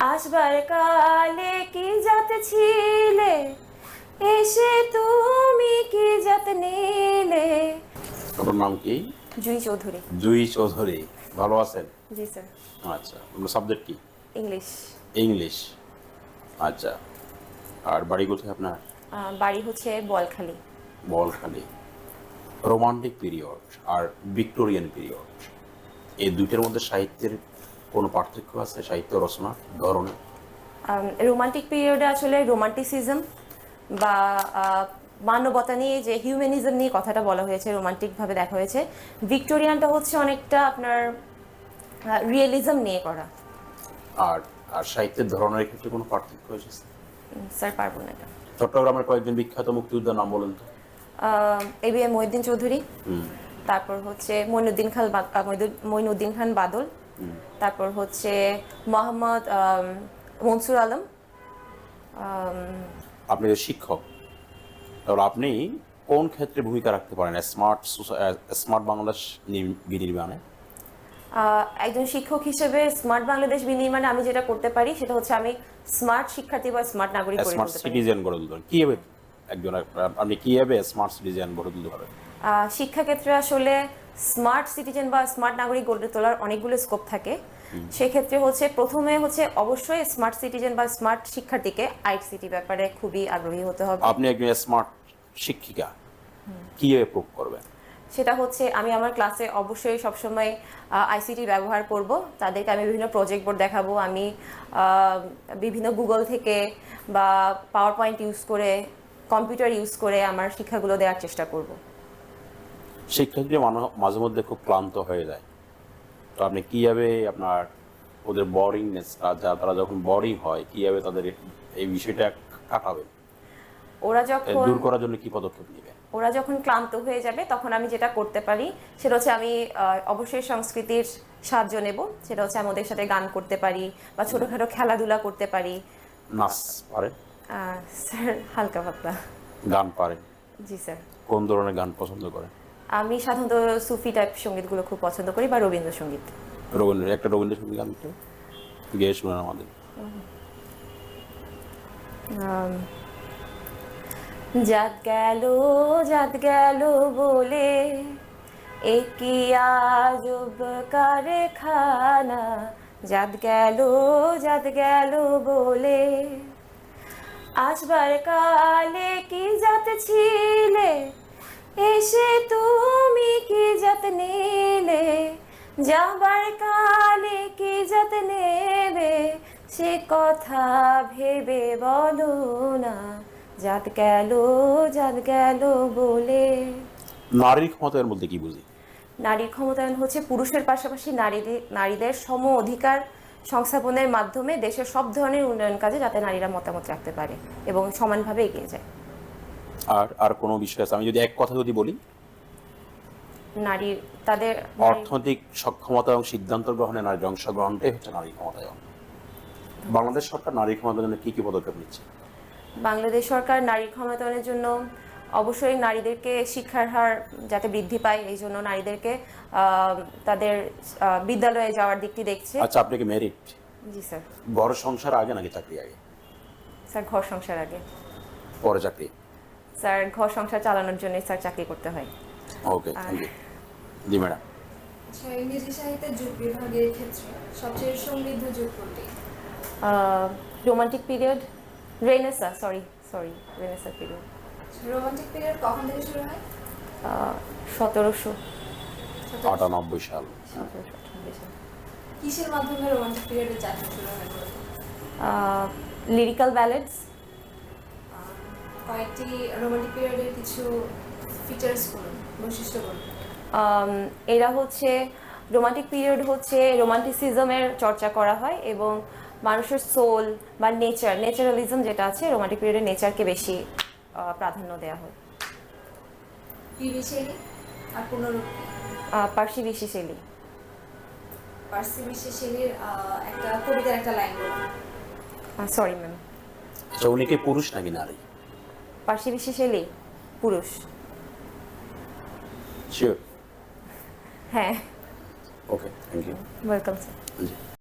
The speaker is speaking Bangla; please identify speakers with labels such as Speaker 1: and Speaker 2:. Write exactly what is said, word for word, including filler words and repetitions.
Speaker 1: আসবার কালে কি জাত ছিলে, এসে তুমি কি জাত নিলে।
Speaker 2: আপনার নাম কি?
Speaker 1: জুই চৌধুরী।
Speaker 2: জুই চৌধুরী। ভালো আছেন?
Speaker 1: জি স্যার।
Speaker 2: আচ্ছা, আপনার সাবজেক্ট কি?
Speaker 1: ইংলিশ।
Speaker 2: ইংলিশ। আচ্ছা, আর বাড়ি কোথায় আপনার?
Speaker 1: আহ, বাড়ি হচ্ছে বলখালি।
Speaker 2: বলখালি। রোমান্টিক পিরিয়ড আর ভিক্টোরিয়ান পিরিয়ড, এই দুইটার মধ্যে সাহিত্যের কোনো পার্থক্য আছে? সাহিত্য রচনা ধরনের?
Speaker 1: রোমান্টিক পিরিয়ডে আসলে রোমান্টিসিজম বা আহ, মানবতা নিয়ে, যে হিউম্যানিজম নিয়ে কথাটা বলা হয়েছে, রোমান্টিকভাবে দেখা হয়েছে। ভিক্টোরিয়ানটা হচ্ছে অনেকটা আপনার রিয়েলিজম নিয়ে করা।
Speaker 2: আর আর সাহিত্যের ধরনের ক্ষেত্রে কোনো পার্থক্য এসেছে?
Speaker 1: উম, স্যার পারবো না এটা।
Speaker 2: চট্টগ্রামের কয়েকজন বিখ্যাত মুক্তিযোদ্ধার নাম বলেন তো।
Speaker 1: A B M Mohiuddin Chowdhury,
Speaker 2: হুম
Speaker 1: তারপর হচ্ছে মইনুদ্দিন খান বা- আহ, মইনুদ্দিন- মইনুদ্দিন খান বাদল,
Speaker 2: হুম
Speaker 1: তারপর হচ্ছে মোহাম্মদ আম, মনসুর আলম। আম,
Speaker 2: আপনি যে শিক্ষক, তাহলে আপনি কোন ক্ষেত্রে ভূমিকা রাখতে পারেন স্মার্ট স্মার্ট বাংলাদেশ নির- বিনির্মাণে?
Speaker 1: আহ, একজন শিক্ষক হিসেবে স্মার্ট বাংলাদেশ বিনির্মাণে আমি যেটা করতে পারি সেটা হচ্ছে আমি স্মার্ট শিক্ষার্থী বা স্মার্ট নাগরিক গড়ে
Speaker 2: স্মার্ট
Speaker 1: তুলতে পারি।
Speaker 2: সিটিজেন গড়ে তুলতে পারেন কিভাবে? একজন আপনি কিভাবে স্মার্ট সিটিজেন গড়ে তুলতে পারেন?
Speaker 1: আহ, শিক্ষাক্ষেত্রে আসলে স্মার্ট সিটিজেন বা স্মার্ট নাগরিক গড়ে তোলার অনেকগুলো স্কোপ থাকে। সেক্ষেত্রে হচ্ছে প্রথমে হচ্ছে অবশ্যই স্মার্ট সিটিজেন বা স্মার্ট শিক্ষার্থীকে আইসিটি ব্যাপারে খুবই আগ্রহী হতে হবে।
Speaker 2: আপনি একজন স্মার্ট শিক্ষিকা, কিভাবে প্রুভ করবেন?
Speaker 1: সেটা হচ্ছে আমি আমার ক্লাসে অবশ্যই সবসময় আইসিটি ব্যবহার করব। তাদেরকে আমি বিভিন্ন প্রজেক্ট বোর্ড দেখাবো, আমি আহ, বিভিন্ন গুগল থেকে বা পাওয়ার পয়েন্ট ইউজ করে, কম্পিউটার ইউজ করে আমার শিক্ষাগুলো দেওয়ার চেষ্টা করব।
Speaker 2: শিক্ষার্থীরা মানো- মাঝে মধ্যে খুব ক্লান্ত হয়ে যায়, তো আপনি কিভাবে আপনার ওদের বোরিংনেসটা, যা তারা যখন বোরিং হয়, কিভাবে তাদের এই বিষয়টা কাটাবেন?
Speaker 1: ওরা
Speaker 2: এ
Speaker 1: যখন
Speaker 2: দূর করার জন্য কি পদক্ষেপ নেবেন?
Speaker 1: ওরা যখন ক্লান্ত হয়ে যাবে তখন আমি যেটা করতে পারি সেটা হচ্ছে আমি আহ, অবশ্যই সংস্কৃতির সাহায্য নেব। সেটা হচ্ছে আমি ওদের সাথে গান করতে পারি বা ছোটোখাটো খেলাধুলা করতে পারি।
Speaker 2: নাচ পারেন?
Speaker 1: আহ, স্যার হালকা পাতলা।
Speaker 2: গান পারেন?
Speaker 1: জি স্যার।
Speaker 2: কোন ধরনের গান পছন্দ করেন?
Speaker 1: আমি সাধারণত সুফি টাইপ সঙ্গীতগুলো খুব পছন্দ করি বা রবীন্দ্রসঙ্গীত।
Speaker 2: রবীন্দ্র একটা রবীন্দ্রসঙ্গীত গান তো গেয়ে শোনান আমাদের।
Speaker 1: আম, জাত গেল জাত গেল বলে একই আজব কারখানা, জাত গেল জাত গেল বলে। আসবার কালে কি জাত ছিলে, এসে তুমি কি জাত নিলে। যাবার কালে কি জাত নেবে, সে কথা ভেবে বলো না, জাত গেল জাত গেল বলে।
Speaker 2: নারীর ক্ষমতায়ন বলতে কি বুঝি?
Speaker 1: নারীর ক্ষমতায়ন হচ্ছে পুরুষের পাশাপাশি নারীদের নারীদের সম অধিকার সংস্থাপনের মাধ্যমে দেশের সব ধরনের উন্নয়ন কাজে যাতে নারীরা মতামত রাখতে পারে এবং সমানভাবে এগিয়ে যায়।
Speaker 2: আর আর কোনো বিষয় আছে? আমি যদি এক কথা যদি বলি,
Speaker 1: নারীর তাদের
Speaker 2: অর্থনৈতিক সক্ষমতা এবং সিদ্ধান্ত গ্রহণে নারীর অংশগ্রহণটাই হচ্ছে নারী ক্ষমতায়ন। বাংলাদেশ সরকার নারী ক্ষমতায়নের জন্য কি কি পদক্ষেপ নিচ্ছে?
Speaker 1: বাংলাদেশ সরকার নারীর ক্ষমতায়নের জন্য অবশ্যই নারীদেরকে শিক্ষার হার যাতে বৃদ্ধি পায় এই জন্য নারীদেরকে আহ, তাদের আহ, বিদ্যালয়ে যাওয়ার দিকটি দেখছে।
Speaker 2: আচ্ছা, আপনি কি ম্যারিড?
Speaker 1: জি স্যার।
Speaker 2: ঘর সংসার আগে নাকি চাকরি আগে?
Speaker 1: স্যার ঘর সংসার আগে।
Speaker 2: পরে চাকরি?
Speaker 1: স্যার ঘর সংসার চালানোর জন্য স্যার চাকরি করতে হয়।
Speaker 2: Okay, thank you. জি ম্যাডাম।
Speaker 3: আচ্ছা, ইংরেজি সাহিত্যের যুগ বিভাগের ক্ষেত্রে সবচেয়ে সমৃদ্ধ যুগ কোনটি?
Speaker 1: Romantic period, renaissance, sorry sorry renaissance period.
Speaker 3: Romantic period কখন থেকে শুরু হয়?
Speaker 1: সতেরোশো
Speaker 2: আটানব্বই সাল।
Speaker 1: সতেরোশো আটানব্বই সাল।
Speaker 3: কিসের মাধ্যমে রোমান্টিক পিরিয়ডের যাত্রা শুরু হয় মূলত?
Speaker 1: Lyrical ballads.
Speaker 3: কয়েকটি রোমান্টিক পিরিয়ডের কিছু ফিচার্স বলুন, বৈশিষ্ট্য বলুন।
Speaker 1: এরা হচ্ছে রোমান্টিক পিরিয়ড হচ্ছে রোমান্টিসিজমের চর্চা করা হয় এবং মানুষের সোল বা নেচার, নেচারালিজম যেটা আছে রোমান্টিক পিরিয়ডে নেচারকে বেশি আহ, প্রাধান্য দেওয়া হয়।
Speaker 3: পিবি শেলি আর পুনরূপ কি?
Speaker 1: আহ, পার্সি বিশি শৈলী।
Speaker 3: পার্সি বিশি শেলির একটা কবিতার একটা লাইন বলুন।
Speaker 1: Sorry ma'am.
Speaker 2: আচ্ছা, উনি কি পুরুষ নাকি নারী?
Speaker 1: পার্সি বিশি শৈলী পুরুষ।
Speaker 2: শিওর?
Speaker 1: হ্যাঁ।
Speaker 2: Okay, thank you.
Speaker 1: Welcome sir.
Speaker 2: G.